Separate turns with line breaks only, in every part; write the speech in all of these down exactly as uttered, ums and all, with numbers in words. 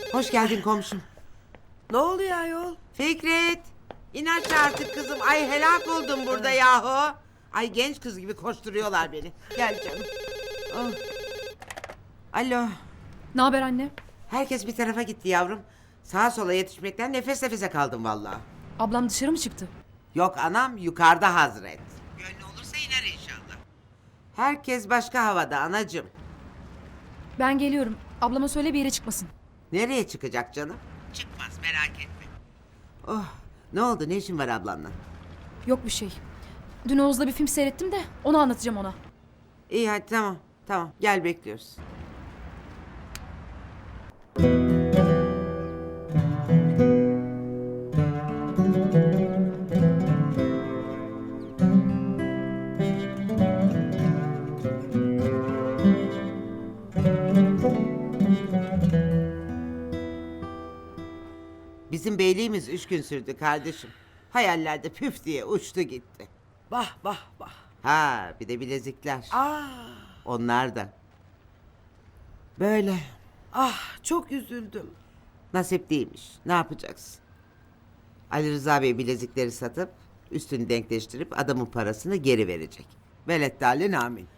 Hoş geldin komşum.
Ne oluyor ayol?
Fikret. İn aşağı artık kızım. Ay helak oldum burada yahu. Ay genç kız gibi koşturuyorlar beni. Gel canım. Oh. Alo.
Ne haber anne?
Herkes bir tarafa gitti yavrum. Sağa sola yetişmekten nefes nefese kaldım vallahi.
Ablam dışarı mı çıktı?
Yok anam yukarıda hazret. Gönlü olursa iner inşallah. Herkes başka havada anacığım.
Ben geliyorum. Ablama söyle bir yere çıkmasın.
Nereye çıkacak canım? Çıkmaz merak etme. Oh ne oldu ne işin var ablanla?
Yok bir şey. Dün Oğuz'la bir film seyrettim de onu anlatacağım ona.
İyi hadi tamam tamam gel bekliyoruz. Bizim beyliğimiz üç gün sürdü kardeşim. Hayallerde püf diye uçtu gitti.
Bah bah bah.
Ha bir de bilezikler.
Aa,
Onlar da. Böyle
ah çok üzüldüm.
nasip değilmiş. Ne yapacaksın? Ali Rıza Bey bilezikleri satıp üstünü denkleştirip adamın parasını geri verecek. Veleddâlin amin.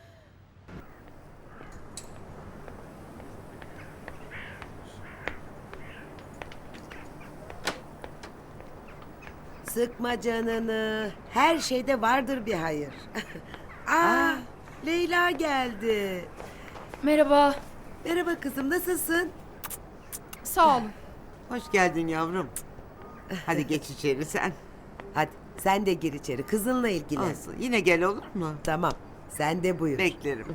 Sıkma canını. Her şeyde vardır bir hayır. Aa, Leyla geldi.
Merhaba.
Merhaba kızım, nasılsın?
Sağ olun.
Hoş geldin yavrum. Hadi geç içeri sen.
Hadi sen de gir içeri, kızınla ilgilen.
Olsun. Yine gel olur mu?
Tamam, sen de buyur.
Beklerim.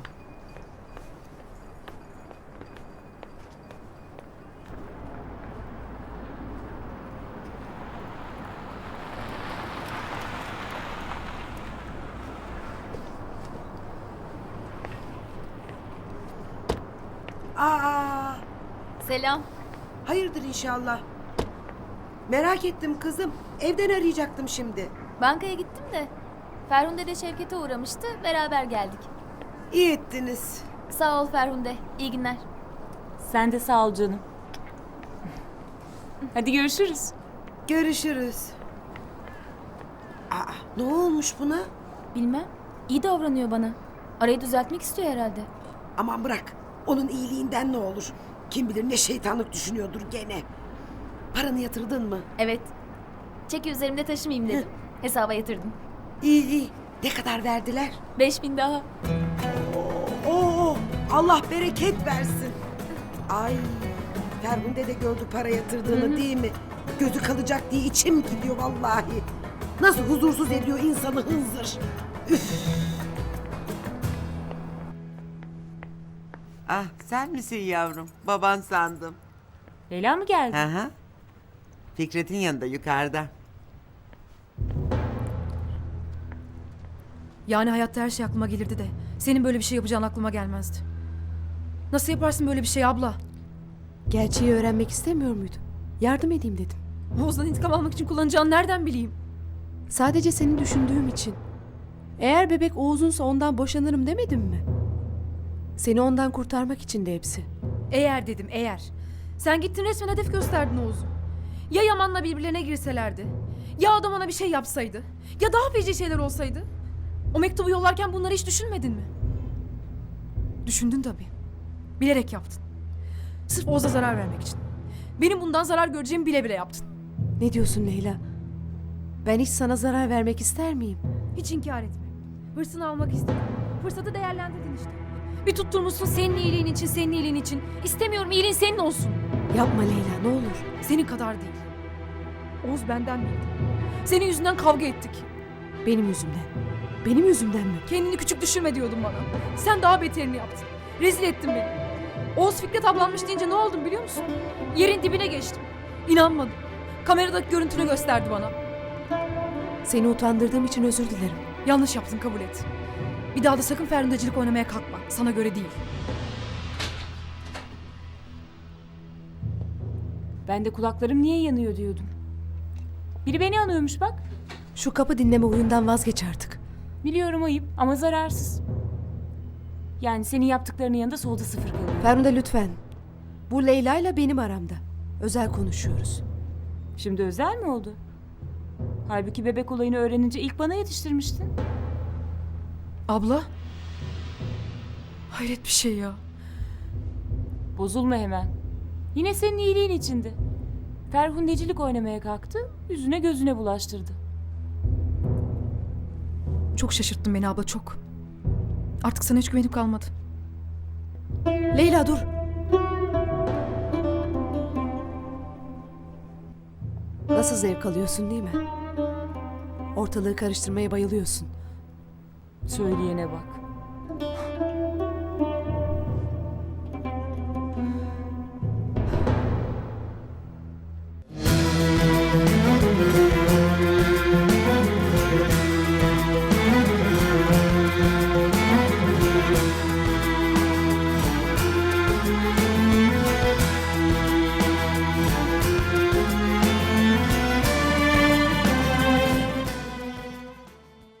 Aa,
Selam.
hayırdır inşallah. Merak ettim kızım. Evden arayacaktım şimdi.
Bankaya gittim de Ferhunde de Şevket'e uğramıştı. Beraber geldik.
İyi ettiniz.
Sağ ol Ferhunde. İyi günler.
Sen de sağ ol canım. Hadi görüşürüz.
Görüşürüz. Aa, ne olmuş buna?
Bilmem. İyi davranıyor bana. Arayı düzeltmek istiyor herhalde.
Aman bırak. Onun iyiliğinden ne olur? Kim bilir ne şeytanlık düşünüyordur gene. Paranı yatırdın mı?
Evet. Çeki üzerimde taşımayayım dedim. Hesaba yatırdım.
İyi iyi. Ne kadar verdiler?
Beş bin daha.
Oo, Allah bereket versin. Ay, Ferhunde de gördü para yatırdığını değil mi? Gözü kalacak diye içim gidiyor vallahi. Nasıl huzursuz ediyor insanı hınzır. Üf.
Ah sen misin yavrum? Baban sandım.
Leyla mı geldi?
Hı hı. Fikret'in yanında yukarıda.
Yani hayatta her şey aklıma gelirdi de senin böyle bir şey yapacağın aklıma gelmezdi. Nasıl yaparsın böyle bir şey abla?
Gerçeği öğrenmek istemiyor muydun? Yardım edeyim dedim.
Oğuz'dan intikam almak için kullanacağını nereden bileyim?
Sadece seni düşündüğüm için. Eğer bebek Oğuz'unsa ondan boşanırım demedim mi? Seni ondan kurtarmak için de hepsi.
Eğer dedim eğer. Sen gittin resmen hedef gösterdin Oğuz'u. Ya Yaman'la birbirlerine girselerdi? Ya adam ona bir şey yapsaydı? Ya daha feci şeyler olsaydı? O mektubu yollarken bunları hiç düşünmedin mi? Düşündün tabii. Bilerek yaptın. Sırf Oğuz'a zarar vermek için. Benim bundan zarar göreceğimi bile bile yaptın.
Ne diyorsun Leyla? Ben hiç sana zarar vermek ister miyim?
Hiç inkar etme. Hırsını almak istedin. Fırsatı değerlendirdin işte. Bir tutturmuşsun senin iyiliğin için, senin iyiliğin için. İstemiyorum iyiliğin senin olsun.
Yapma Leyla, ne olur.
Senin kadar değil. Oğuz benden bildi. Senin yüzünden kavga ettik.
Benim yüzümden. Benim yüzümden mi?
Kendini küçük düşürme diyordun bana. Sen daha beterini yaptın. Rezil ettin beni. Oğuz Fikret ablanmış deyince ne oldum biliyor musun? Yerin dibine geçtim. İnanmadım. Kameradaki görüntünü gösterdi bana.
Seni utandırdığım için özür dilerim.
Yanlış yaptın kabul et. Bir daha da sakın ferhundecilik oynamaya kalkma. Sana göre değil.
Ben de kulaklarım niye yanıyor diyordum. Biri beni anıyormuş bak.
Şu kapı dinleme huyundan vazgeç artık.
Biliyorum ayıp ama zararsız. Yani senin yaptıklarının yanında solda sıfır kalıyor.
Ferhunde lütfen. Bu Leyla ile benim aramda. Özel konuşuyoruz.
Şimdi özel mi oldu? Halbuki bebek olayını öğrenince ilk bana yetiştirmiştin.
Abla. Hayret bir şey ya.
Bozulma hemen. Yine senin iyiliğin içindi. Ferhundecilik oynamaya kalktı, yüzüne gözüne bulaştırdı.
Çok şaşırttın beni abla çok. Artık sana hiç güvenim kalmadı.
Leyla dur. Nasıl zevk alıyorsun değil mi? Ortalığı karıştırmaya bayılıyorsun.
Söyleyene bak.